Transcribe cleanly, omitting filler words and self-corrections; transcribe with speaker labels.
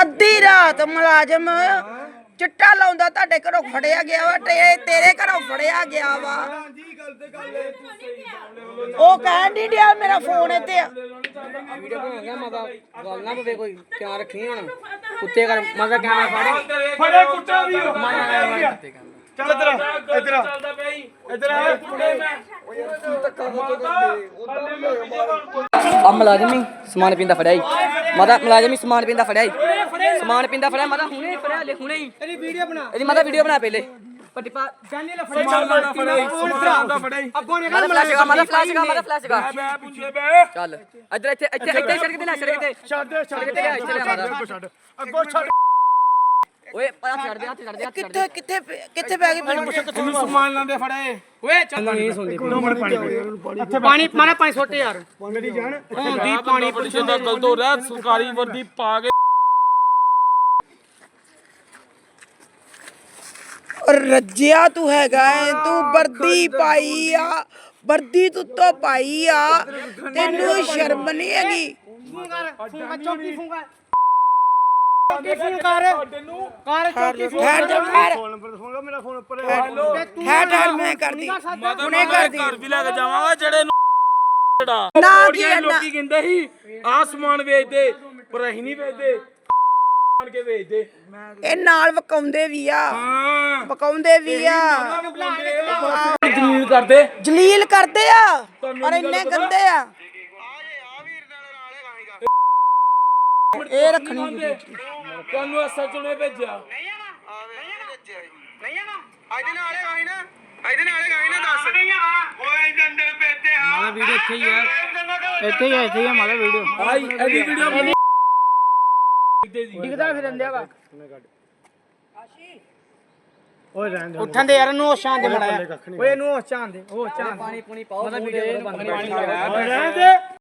Speaker 1: ਅੱਧੀ ਰਾਤ ਮੁਲਾਜ਼ਮ ਚਿੱਟਾ ਲਾਉਂਦਾ ਤੁਹਾਡੇ ਘਰੋਂ ਫੜਿਆ ਗਿਆ ਵਾ ਤੇ ਤੇਰੇ ਘਰੋਂ ਫੜਿਆ ਗਿਆ ਵਾ। ਉਹ ਕਹਿਣ ਨਹੀਂ ਡਿਆ ਮੇਰਾ ਫੋਨ ਇੱਥੇ ਆ।
Speaker 2: ਵੀਡੀਓ ਬਣਾਉਂਦਾ ਮਾਤਾ ਗੱਲ ਨਾ ਪਵੇ ਕੋਈ ਧਿਆਨ ਰੱਖੀ ਹੁਣ ਕੁੱਤੇ ਕਰ ਮਾਤਾ ਕੈਮਰਾ
Speaker 3: ਫੜੇ ਕੁੱਤਾ ਵੀ ਚੱਲ ਇੱਧਰ ਇੱਧਰ
Speaker 2: ਆ ਮੁਲਾਜ਼ਮੀ ਸਮਾਨ ਪੀਂਦਾ ਫੜਿਆ ਈ ਮਾਤਾ ਮੁਲਾਜ਼ਮੀ ਸਮਾਨ ਪੀਂਦਾ ਫੜਿਆ ਈ ਸਮਾਨ ਪੀਂਦਾ ਫੜਿਆ ਮਾਤਾ ਹੁਣੇ ਫੜਿਆ ਲੈ ਹੁਣੇ ਹੀ ਇਹਦੀ ਵੀਡੀਓ ਬਣਾ ਇਹਦੀ ਮਾਤਾ ਵੀਡੀਓ ਬਣਾ ਪਹਿਲੇ ਪੱਟੀ ਪਾ ਜਾਨੀ ਲੈ ਫੜਿਆ ਸਮਾਨ ਫੜਿਆ ਅੱਗੋਂ ਨੇ ਮਾਤਾ ਫਲੈਸ਼ ਗਾ
Speaker 3: ਮੈਂ ਪੁੱਛੇ ਬੇ
Speaker 2: ਚੱਲ ਇੱਧਰ ਇੱਥੇ ਸੜਕ ਤੇ ਲੈ ਸੜਕ ਤੇ
Speaker 3: ਛੱਡ ਦੇ
Speaker 2: ਇੱਥੇ ਲੈ ਮਾਤਾ
Speaker 3: ਛੱਡ ਅੱਗੋਂ ਛੱਡ
Speaker 2: ਓਏ ਪਾ ਛੱਡ ਦੇ ਹੱਥ ਛੱਡ ਦੇ
Speaker 1: ਕਿੱਥੇ ਕਿੱਥੇ ਕਿੱਥੇ ਪੈ ਗਈ
Speaker 3: ਤੈਨੂੰ ਸਮਾਨ ਲਾਂਦੇ ਫੜੇ
Speaker 2: ਓਏ ਚੱਲ ਨਹੀਂ ਸੁਣਦੀ
Speaker 3: ਪਾਣੀ ਮਾਰਾ 5 ਛੋਟੇ ਯਾਰ ਮੇਰੀ ਜਾਨ ਹੁੰਦੀ ਪਾਣੀ ਪੁੱਛੇ ਦਾ ਗਲਤ ਹੋ ਰਿਹਾ ਸਰਕਾਰੀ ਵਰਦੀ ਪਾ ਕੇ
Speaker 1: ਰੱਜਿਆ ਤੂੰ ਹੈਗਾ ਏ ਤੂੰ ਵਰਦੀ ਪਾਈ ਆ ਵਰਦੀ ਤੂੰ ਤੋਂ ਪਾਈ ਆ ਤੈਨੂੰ ਸ਼ਰਮ ਨਹੀਂ ਹੈਗੀ।
Speaker 3: ਚੌਕੀ ਫੂੰਗਾ ਚੌਕੀ ਫੋਨ ਕਰ ਚੌਕੀ ਫੋਨ ਫੋਨ ਮੇਰਾ ਫੋਨ ਉੱਪਰ
Speaker 1: ਠਹਿਰ ਮੈਂ ਕਰਦੀ ਹੁਣੇ ਕਰਦੀ
Speaker 3: ਘਰ ਵੀ ਲੈ ਕੇ ਜਾਵਾਂਗਾ ਜਿਹੜੇ
Speaker 1: ਨਾ ਕੀ
Speaker 3: ਲੋਕੀ ਕਹਿੰਦੇ ਸੀ ਆਸਮਾਨ ਵੇਚਦੇ ਪਰ ਅਸੀਂ ਨਹੀਂ ਵੇਚਦੇ ਕੇ ਵੇਚਦੇ
Speaker 1: ਇਹ ਨਾਲ ਵਕਾਉਂਦੇ ਵੀ ਆ
Speaker 3: ਹਾਂ
Speaker 1: ਵਕਾਉਂਦੇ ਵੀ ਆ
Speaker 3: ਜਲੀਲ ਕਰਦੇ
Speaker 1: ਜਲੀਲ ਕਰਦੇ ਆ ਪਰ ਇੰਨੇ ਗੰਦੇ ਆ। ਇਹ ਰੱਖਣੀ
Speaker 3: ਤੁਹਾਨੂੰ ਅਸਲ ਚੁਣੇ ਭੇਜਿਆ
Speaker 2: ਮਾਤਾ ਵੀਡੀਓ ਇੱਥੇ ਹੀ ਆ ਮਾਤਾ ਵੀਡੀਓ
Speaker 3: ਆਈ ਇਹਦੀ ਵੀਡੀਓ
Speaker 2: ਦਿਖਦਾ ਫਿਰ ਅੰਦਿਆ ਵਾ
Speaker 3: ਉੱਠਣ ਦੇ ਯਾਰ ਨੂੰ ਹੋਸ਼ਾਂ ਦੇ ਮੜਾਇਆ
Speaker 2: ਓਏ ਇਹਨੂੰ ਹੋਸ਼ ਚਾਂ ਦੇ ਪਾਣੀ ਪੂਣੀ ਪਾਓ ਮਾਤਾ ਵੀਡੀਓ ਬੰਦ
Speaker 3: ਰਹਿਣ ਦੇ